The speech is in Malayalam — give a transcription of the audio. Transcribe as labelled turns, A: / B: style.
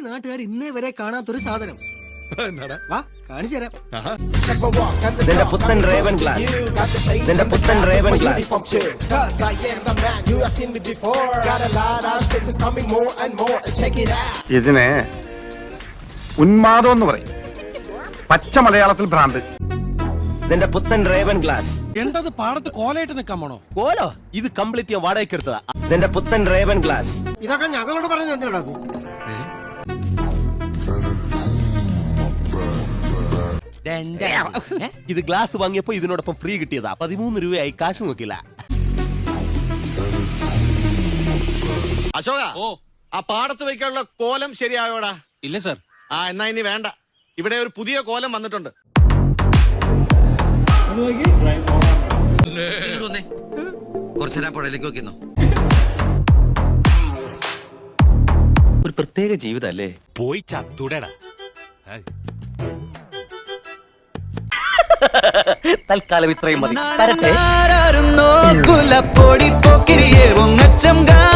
A: നാട്ടുകാർ ഇന്നേ വരെ കാണാത്തൊരു സാധനം. വാ കാണിച്ചു തരാം.
B: നിന്റെ പുത്തൻ റേവൻ ഗ്ലാസ്, നിന്റെ പുത്തൻ റേവൻ ഗ്ലാസ്.
C: ഇതിനെ ഉന്മാദം എന്ന് പറയും, പച്ച മലയാളത്തിൽ ഭ്രാന്ത്.
B: നിന്റെ പുത്തൻ റേവൻ ഗ്ലാസ്.
D: എന്തത് പാടത്ത് കോലയിട്ട് നിൽക്കാൻ പോണോ?
E: കോലോ? ഇത് കംപ്ലീറ്റ് ഞാൻ വാടകയ്ക്ക് എടുത്തതാ.
B: നിന്റെ പുത്തൻ റേവൻ ഗ്ലാസ്.
A: ഇതൊക്കെ ഞങ്ങളോട് പറഞ്ഞത് എന്തിനാ?
E: ഇത് ഗ്ലാസ് വാങ്ങിയപ്പോ ഇതിനോടൊപ്പം ഫ്രീ കിട്ടിയതാ. 13 രൂപയായി, കാശ് നോക്കില്ല.
F: അശോക, ആ പാടത്ത് വയ്ക്കാനുള്ള കോലം ശരിയായോടാ?
G: ഇല്ല സർ.
F: എന്നാ ഇനി വേണ്ട. ഇവിടെ ഒരു പുതിയ കോലം വന്നിട്ടുണ്ട്.
G: കുറച്ചേരാ പുഴയിലേക്ക് നോക്കിന്നോ.
B: ഒരു പ്രത്യേക ജീവിതല്ലേ.
E: പോയി ചത്തുടടാ.
B: തൽക്കാലം ഇത്രയും മതി.
H: പൊടി പോക്കിരിയെ